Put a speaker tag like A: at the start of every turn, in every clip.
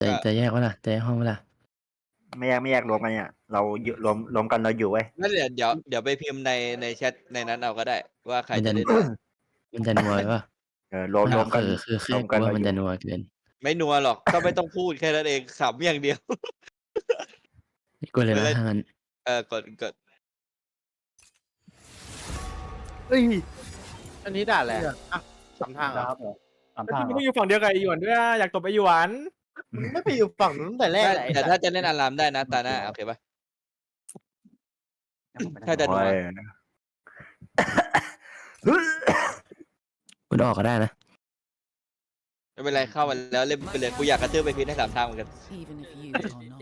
A: จะแยกวะล่ะจะแยกห้องวะล่ะ
B: ไม่แยกรวมกันเนี่ยเราอยู่รวมกันเราอยู่เว้ย
C: นั่นเดี๋ยวไปพิมพ์ในแชทในนั้นเอาก็ได้ ว่าใคร
A: มัน
C: จะ
A: จะ
C: เล่น
A: มันจะนัววะ
B: รวมกัน
A: คือ
B: รวมกัน
A: ว่า
B: เรา
A: มัน
B: อยู่
A: จะนัวเกิน
C: ไม่นัวหรอกก็ไม่ต้องพูดแค่นั้นเองขำอย่างเดียว
A: กดเลยนะถ้างั้น
C: กด
D: เอ้ย
E: อันนี้ด่าแหละอ่ะสามทางเหรอ
D: ครับสาม
F: แล้ว
D: ทาง
F: ที่มึงก็อยู่ฝั่งเดียวกับไอหยวนด้วยอะอยากตบไอหยวน
E: มึงไม่ไปอยู่ฝั่งนู้นตั้งแต่แรกเลย
C: แต่ถ้าจะเล่นอารามได้นะตาหน้าโอเคปะถ้าจะนัว
A: คุณออกก็ได้นะ
C: ไม่เป็นไรเข้ามาแล้วเล่นไปเลยกูอยากกระตือไปพิมพ์ให้สามทางเหมือนกัน
G: even if you are not.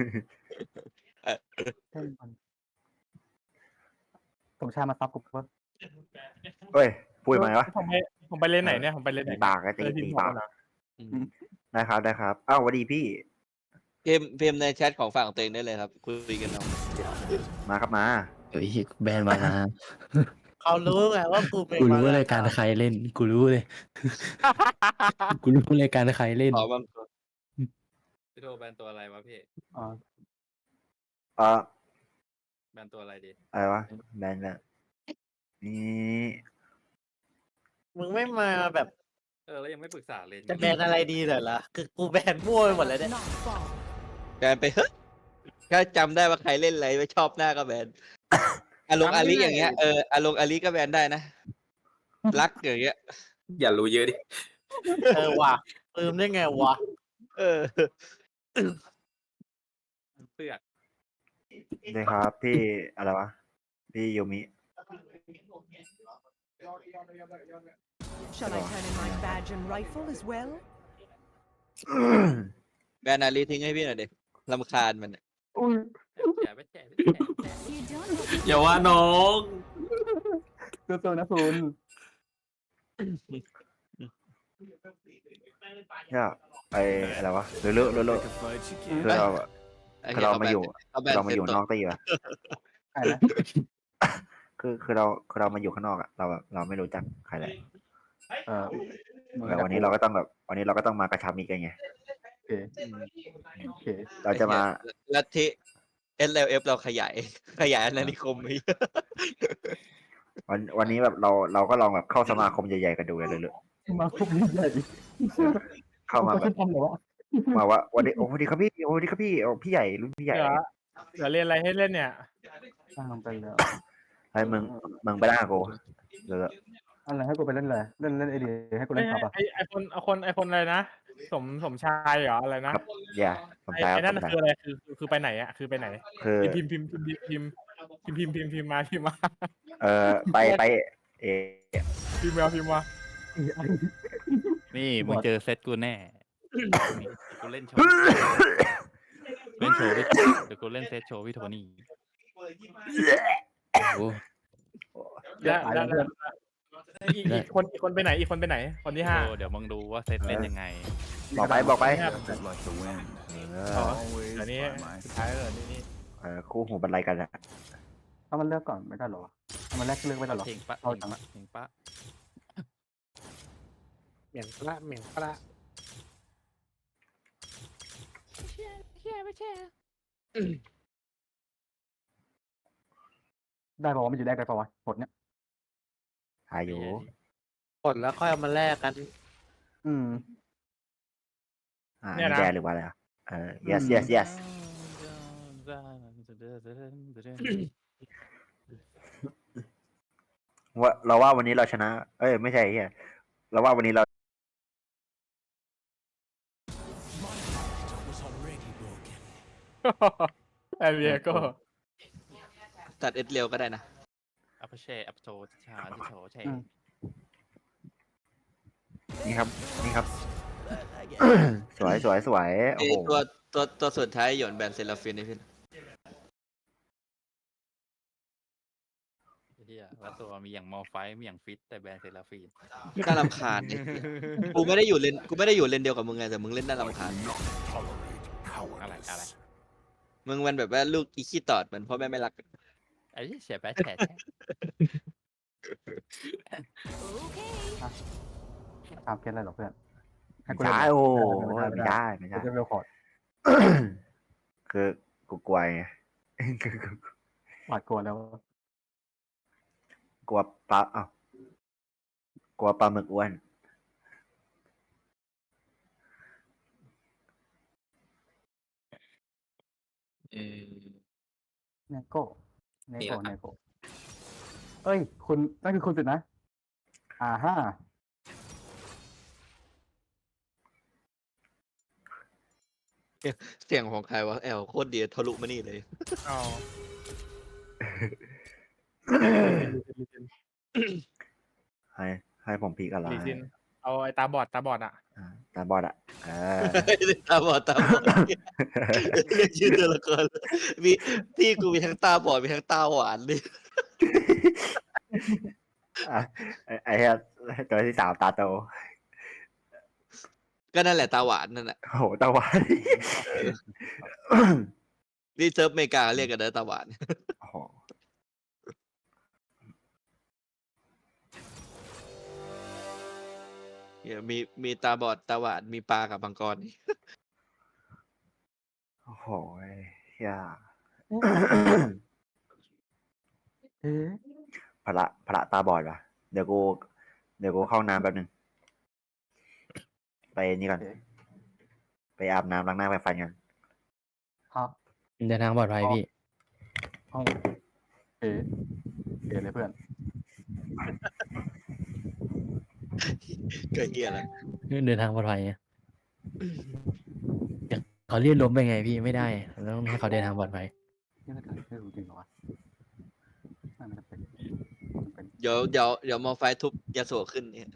D: สมชายมาซับกูเพิ่ม
B: เฮ้ยพูดมาไงวะ
F: ผมไปเลนไหนเนี่ยผมไปเลนไหน
B: ตีปากก็ตี
F: เออที่
B: ตี
F: บอ
B: ปาก
F: นะ
B: ได้ครับอ้าวสวัสดีพี่
C: พิมพ์ในแชทของฝั่งตัวเองได้เลยครับคุยกันเอา
B: มาครับมา
A: เดี๋ยวแบนมานะ
E: เขารู้ไงว่ากูเป็น
A: กูรู้ว่ารายการใครเล่น กูรู้เลย กูรู้รายการใครเล่น
C: ขอบาง
H: พี่โทแบนตัวอะไรวะพี่
D: อ๋อ
B: เออ
H: แบนตัวอะไรดี
B: อะไรวะแบนนี่
E: มึงไม่มาแบบ
H: แล้วยังไม่ปรึกษาเลย
E: จะแบนอะไรดีเหรอล่ะคือกูแบนมั่วไปหมดเลยเนี่ย
G: Not far.
C: แบนไปเฮ้ยแค่จำได้ว่าใครเล่นอะไรไม่ชอบหน้าก็แบนอารมณ์อาลีอย่างเงี้ยอารมณ์อาลีก็แบนได้นะรักอย่างเงี้ย
H: อย่ารู้เยอะดิ
E: ว่ะลืมได้ไงวะ
C: เออ
H: เสือก
B: ได้ครับพี่อะไรวะพี่ยูมิ
G: Shall I turn in my badge and rifle as well?
C: แบนอาลีทิ้งให้พี่หน่อยดิรำคาญมันอะ
H: แฉไปแฉ
G: You don't have to
H: อย่าว่าน้อง
D: สู้ๆนะคุณ
B: เนี่ยไออะไรวะเรื่อยคือเราอะ
C: ไอ้
B: คือ
C: เหี้ย
B: เรามาอยู่
C: เขาแบน
B: เรามา
C: เซ็
B: อยู่
C: ต
B: นอกตีอะ
D: ใครนะ
B: คือเรามาอยู่ข้างนอกอะเราไม่รู้จักใครเลย
D: เออ
B: แต่วันนี้เราก็ต้องแบบวันนี้เราก็ต้องมากระชับมิตรกันไง
D: โอเคโอเค
B: เราจะมา
C: ลัทธิ SLF เราขยายอาณานิคมไป
B: วันนี้แบบเราก็ลองแบบเข้าสมาคมใหญ่ๆกันดูเลยเลย
D: มาคุกใหญ่
B: เข้ามาแบบ
D: ทำเหรอวะ
B: มาว่าวันนี้โอ้สวัสดีครับพี่โอ้สวัสดีครับพี่โอ้พี่ใหญ่รุ่นพี่ใหญ่
F: เดี๋ยวเรียนอะไรให้เล่นเนี่ย
D: ตามไปแล้ว
B: ไอ้มึงไปด่ากูเลย
D: อะไรให้กูไปเล่นเลยเล่นไอเดียให้กูเล่นครับอ่ะ
F: ไอคนอะไรนะสมชายเหรออะไรนะครับ
B: อย่าผม
F: ไอ
B: ใช้
F: นั่น
B: ผมใช้
F: คืออะไรคือไปไหนอะคือไปไหน
B: คือ
F: พิมพ์มาพิมพ์มา
B: ไปเอ
F: พิมพ์มา
H: นี่มึงเจอเซตกูแน่นี่กูเล่นโชว์เล่นโชว์พี่เดี๋ยวกูเล่นเซตโชว์พี่โทนี่
A: โอ้
F: แล้วอีกคนไปไหนอีกคนไปไหนคนที่ห้า
H: เดี๋ยวมึงดูว่าเซตเล่นยังไง
B: บอกไป
F: เดี๋ยวนี้สุดท้ายเลยนี่
B: คู่หูบันไลกันอะ
D: เอามันเลือกก่อนไม่ได้หรอเอามันแรกเลือกไม่ได้หรอ
H: เพลงปะ
D: เอา
H: เพลง
D: จัง
H: ปะเพลงปะ
E: เหม็นปละ
D: ได้ป่าวมันอยู่ได้ไกลป่าวหมดเนี้ย
B: หายอยู่
E: กดแล้วค่อยเอามาแลกกัน
B: นี่แดหรือว่าอะไรyes ว่าเราว่าวันนี้เราชนะ เอ้ยไม่ใช่เฮียเราว่าวันนี้เรา
F: ไอเบียก็
C: ตัดเอสเร็วก็ได้นะ
H: อัพเชอัพโชชาที่โชเช
B: นี่ครับ สวยโอ้โห
C: ตัวสุดท้ายหย่อนแบนเซลาฟินนี่พี่
H: เฮียแล้วตัวมีอย่างมอไฟมีอย่างฟิตแต่แบรนด์เซราฟีน
C: น่ารำคาญเนี่ยกูไม่ได้อยู่เลนเดียวกับมึงไงแต่มึงเล่นน่ารำคาญ
H: อะไร
C: มึงมันแบบว่าลูกอีขี้ตอดเหมือนพ่อแม่ไม่รัก
H: ไอ้เสียแปะแฉะ
D: ตามเคสอะไรหรอเพื่อนให้กู
B: ใช่
D: เล่น
B: โอ้ไม่ได้
D: จะเวลคอร์ด
B: คือกูกลัวไง
D: หวาดกลัวแล้ว
B: กลัวปลาอ้าวกลัวปลาหมึกอ้วน
D: เนโก้เนโก้เนโก้เอ้ย คุณนั่นคือคุณสินะฮ่า
C: เสียงของใครวะแอลโคตรดีทะลุมานี่เลย
F: อ๋อ
B: ให้ผมพีกอะไร
F: ลีซินเอาไอ้ตาบอดอ่ะ
B: ตาบอดอ่ะ
C: ตาบอดเรียกชื่อตัวละครมีที่กูมีทั้งตาบอดมีทั้งตาหวานเลย
B: ไอ้เหี้ยตัวที่สามตาโต
C: ก็นั่นแหละตาหวานนั่นแหละ
B: โอ้โหตาหวาน
C: นี่เซิร์ฟอเมริกาเรียกกันนะตาหวาน
B: โอ้โห
C: เนี่ยมีตาบอดตาหวานมีปลากับมังกรนี่
B: โอ้โหเฮีย
D: เอ๊ะ
B: พระตาบอดวะเดี๋ยวกูเข้าน้ำแป๊บนึง ไปนี่ก่อน ไปอาบน้ำล้างหน้าไปฟันกัน
D: ฮะ
A: เดินทางปลอดภัยพี่
D: ห้องเอ๊ะเลยเพื่อน
C: ก็เฮียแล้ว
A: เดินทางปลอดภัยไงเขาเรียกล้มไปไงพี่ไม่ได้เราต้องให้เขาเดินทางปลอดภัย
D: นี่ไม่รู้จริงเหรอวะมันจะเป็น
C: เดี๋ยวมอไฟทุบยาโสขึ้นเนี่ย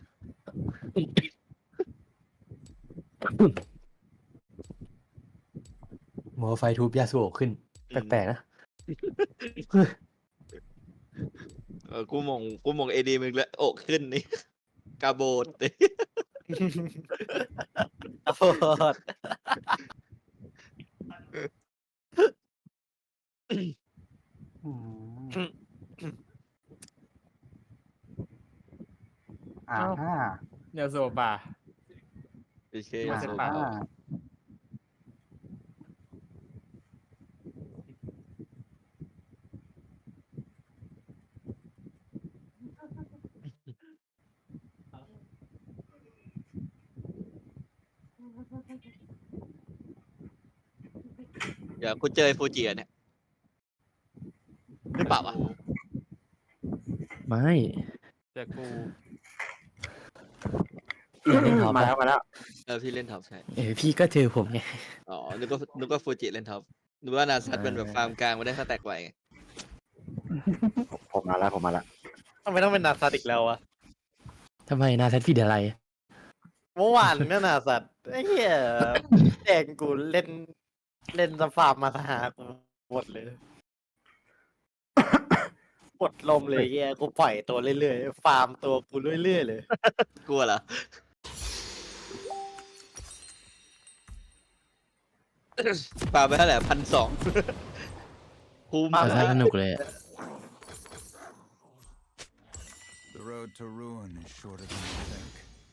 A: โมไฟทูบยาสูบขึ้น แปลกๆนะ
C: กูมองเอดีมึงแล้วอกขึ้นนี่ กาโบดเลย
E: โอ้โห
D: อืมฮ่า
F: เนี่ยโซบา
C: โอเคยาโส
F: ปะ
C: เดี๋ยวกูเจอไอ้ฟูจิอ่ะเนี่ยหรือเปล่าวะ
A: ไม่
H: แต่กู
A: พี่เล่นท็อป
B: มา
A: อะ
B: แล้วมาแล้ว
C: พี่เล่นท็อปใช่
A: พี่ก็เจอผมไง
C: อ๋อนึกว่าฟูจิเล่นท็อปนึกว่านาซัตเป็นแบบฟาร์มกลางมาได้สแต็กไวไง
B: ผมมาแล้ว
E: ทำไมต้องเป็นนาซัตอีกแล้ววะ
A: ทำไมนาแซดผิดอะไร
E: เมื่อวานเนี่ยนาซัตไอ้เหี้ยแดงกูเล่นสฟาร์มมาหากูหมดเลยหมดลมเลยเหี้ยกูปล่อยตัวเรื่อยๆฟาร์มตัวกูเรื่อยๆเลย
C: กลัวเหรอ ปาไปเท่าไหร่1,200 คุ้ม
A: เอาซะสนุกเลยอะ
I: The road to ruin is shorter than you think.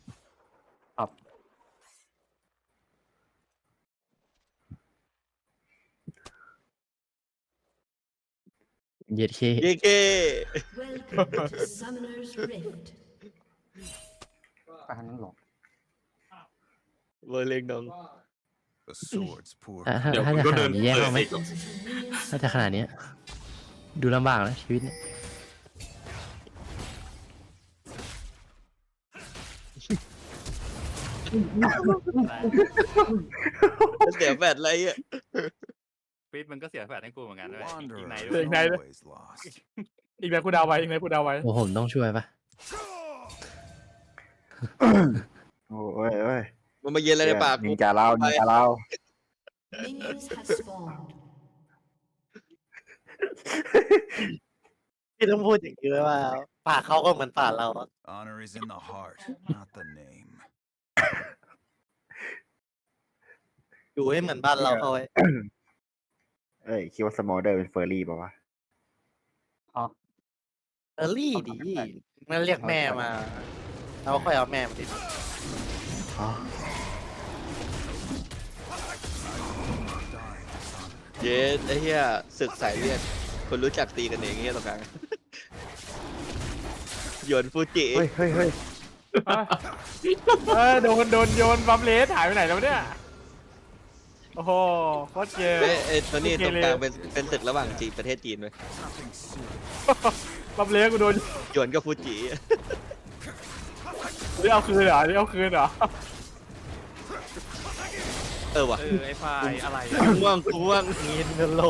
A: เย็ดเค
C: เย้เก้
G: Welcome to Summoner's Rift.
D: ไปทางนั้นหรอ
C: เวอร์เลงดอง
I: The sword's poor.
A: ถ้าจะขนาดนี้แย่เข้าไหมถ้าจะขนาดเนี้ยดูลำบากนะชีวิตเนี่ย
C: เสียแบตอะไรอ่ะ
H: ฟิตมันก็เสียแฟดให้กูเหมือนกันด้วยอีก
I: Wanderer
H: ไหน
I: is
H: ด้วย
I: always lost.
F: อีกแล้วกูเดาไว้อีกแล้วกูเดาไว้
A: โอ้ผมต้องช่วยปะ
B: โอ้ย
C: มันมาเย็นอะไรในปาก
B: นิ
C: กู
B: นจาเล่า
G: Minions have spawned.
E: พี่ต้องพูดอย่างนี้เลยว่าป่าเขาก็เหมือนป่าเราอะ
I: Honor is in the heart, not the name.
E: อยู่ให้เหมือนบ้านเราเขาไว้
B: เอ้ยคิดว่าสมอลเดอร์เป็นเฟอร์รี่ป่าวะ
E: เออรี่ดีมันเรียกแม่มาเราค่อยเอาแม่มาดิ
B: อ๋อ
C: เย้ไอ้เหี้ยศึกสายเลือดคนรู้จักตีกันเองเงี้ยตรงกลางโยนฟูจิ
B: เฮ้ยเฮ้ยเฮ้ย
F: โดนโยนบัมเลสหายไปไหนแล้วเนี่ยโอ้โหโคตรเกม
C: ไอ้ตัวนี้ตรงกลางเป็นศึกระหว่างจีนประเทศจีนเลย
F: บัมเลสกูโดน
C: โยนกับฟูจิ
F: นี่เอาคืนเหรอนี่เอาคืนเหรอ
C: ว่ะ
H: ไอ้ไฟล์อะไร
C: ง่วงง่วง
E: เงินเงินโหล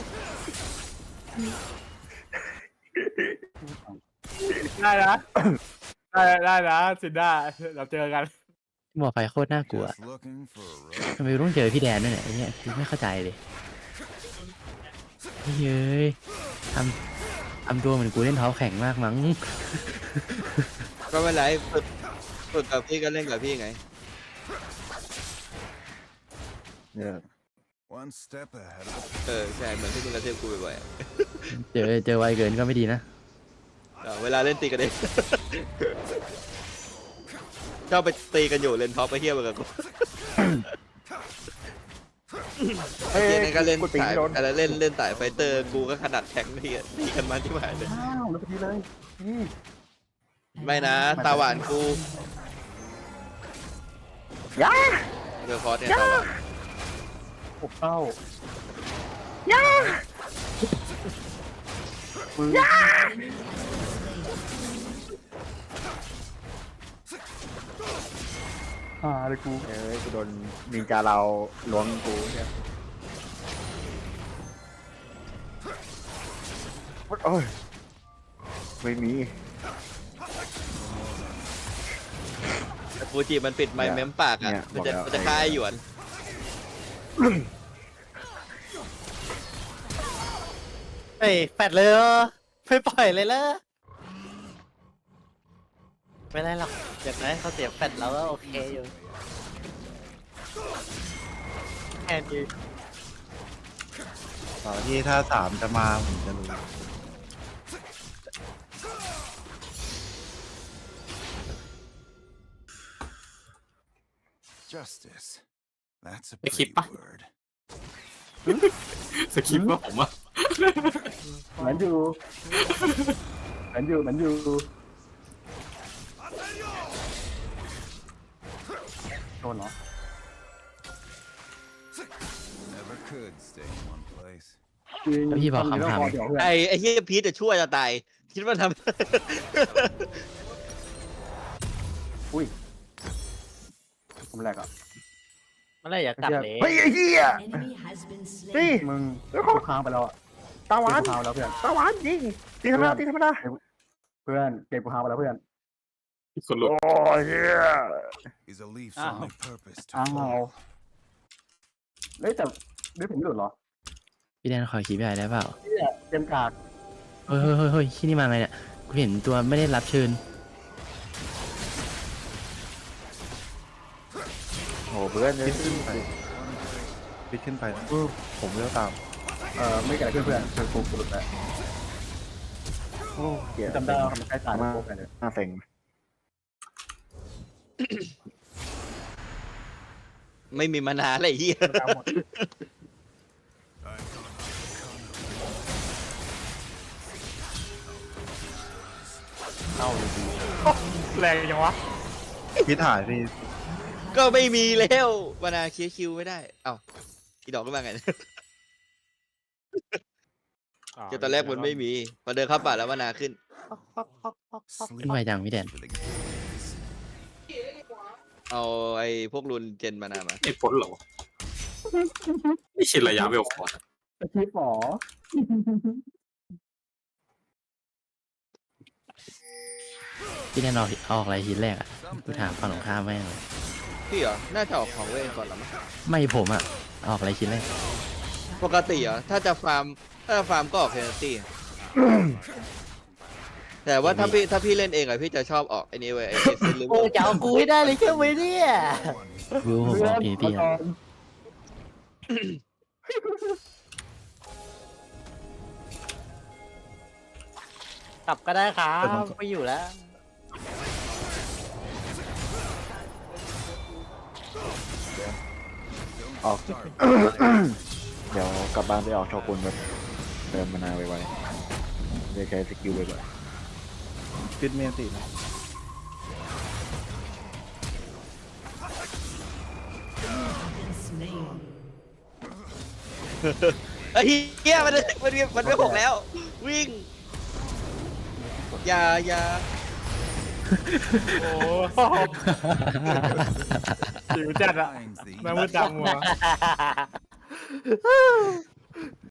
F: ได้นะได้นะสินได้เราเจอกัน
A: หมอไฟโคตรน่ากลัว
I: Just looking for a road.
A: ทำไมต้องเจอพี่แดนด้วยเนี่ยไอ้เนี่ยคือไม่เข้าใจเลยเฮ้ยทำตัวเหมือนกูเล่นเท้าแข็งมากมั้ง
C: ก็ไม่เป็นไรฝึกกับพี่ก็เล่นกับพี่ไง
B: เนี่ย
I: One step ahead of
C: ใช่เหมือนที่มึงกระเทือบกูบ่อยๆอะ
A: เจอไวเกินก็ไม่ดีนะ
C: เวลาเล่นตีกันเอง ชอบไปตีกันอยู่เล่นท็อปไปเที่ยวกับกู
B: เฮ้ย
C: เล่นก็เล่น
B: กูตี
C: สาย
B: ไม่โดน
C: อะไรเล่นสายไฟเตอร์กูก็ขนาดแทงค์ที่ตีกันมาที่หมายเลย
D: อ้าวแล้วพอดีเลยนี่
C: ไม่นะ ตาหวานกู
B: ย่า
C: เดอร์คอร์สเนี่ยตาหวาน
D: ปกเต้า เลยกู
B: เอ้ยกูโดนนินจาเราล้วงกูเนี่ยโอ้ยไม่มี
C: ฟูจิมันปิดไมค์เมมปากอ่ะ
B: เนี่ย
C: มันจะ
B: บอกแล้ว
C: มันจะฆ่าไอ้หยวน
E: เฮ้ยแฟดเลยเหรอไม่ปล่อยเลยเหรอไม่ได้หรอกอย่างน้อยเขาเสียแฟดแล้วก็โอเคอยู่แค่นี้
J: ตอนที่ถ้าสามจะมาผมจะรู้
I: justice. That's a
F: They keep
I: pretty word.
F: สคริปต์ว่าผมอ่ะ
D: เหมือนอยู่โดนเหรอ
I: Never could stay in one place.
A: แล้วพี่บอกคำถาม
D: เดี๋ยวเพื่อน
C: ไอ้เฮียพีทจะช่วยจะตาย คิดว่าทำ
D: อุ้ยผมแหลกอ่ะ
E: เมื่อไหรอยากกลับเลย
B: เฮ้ยไอ้เหี้ยนี่
D: มึงกูค้างไปแล้วอ่ะ
B: ตาหวาน
D: กูค้างแล้วเพื่อน
B: ตาหวานยิงตีธรรมดาตีธรรมดา
D: เพื่อนเก็บกูค้างไปแล้วเพื่อน
F: คนลุก
B: โอ้ยเหี้ย
I: Is a leaf's
H: Ah.
I: only purpose to
D: อ้าว
I: fall.
D: เฮ้ยแต่ด้วยผมไม่หลุดเหรอ
A: พี่แดนขอคีบใหญ่ได้เปล่า
D: เนี่ยเกมกาก
A: เฮ้ยที่นี่มาไงเนี่ยกูเห็นตัวไม่ได้รับเชิญ
B: โอ้เพื่อนเลย
J: พิดขึ้นไปผมเลือกตาม
D: ไม่เกิดอะไรขึ้นเพื่อนคือกูหลุดแล้ว
B: โอ้เหี้ย
D: จำได้ว่ามันใกล้ตายแล้วโป๊กไปเลย
B: น่าเซ็ง
C: ไม่มีมานานอะไรเฮีย
D: กลางหมด
J: เข้าเลยดี
F: แรงจังวะ
J: พิดถ่ายพี่
C: ก็ไม่มีแล้วมานาเคลียร์คิวไม่ได้ เอ้าอีดอกก็มาไงคือตอนแรกมันไม่มี พอเดินเข้าป่าแล้วมานาขึ้น
A: ขึ้นไวจังพี่แดน
I: For the gaze.
C: เอาไอ้พวกรุนเจนมานามา
F: ไอ้พ้นเหรอไม่ชินระยะเวลคอร์ส
D: สคริปต์หมอ
A: พี่แดนออกอะไรทีแรกอ่ะกูถามฝั่งตรงข้ามแม่งเลย
C: พี่เหรอ น่าจะออกของเวทก่อนหรอมั้ง
A: ไม่ผมอ่ะออกอะไรทีแรก
C: ปกติเหรอ ถ้าจะฟาร์มก็ออกเพนตี้ แต่ว่าถ้าพี่เล่นเองอะพี่จะชอบออกไอ้นี่เว้ยไอ้เซนลู
E: โอ้จะเอากูให้ได้เลยใช่ไหมเนี่ย
A: วิวผมออกพีพีอ่ะ
E: กลับก็ได้ครับไม่อยู่แล้ว
B: ออก
I: Start.
B: เดี๋ยวกลับบ้านไปออกโชกุนแบบเติมมานาไวๆเดี๋ยวใช้สกิลไว
J: ฟิตเมียนตินะ
C: ไอ้เหี้ยมันไม่หกแล้ว วิ่งอย่า
F: โอ้หิวจัดอะ
I: Finds the
F: แม่งมืดดำมัว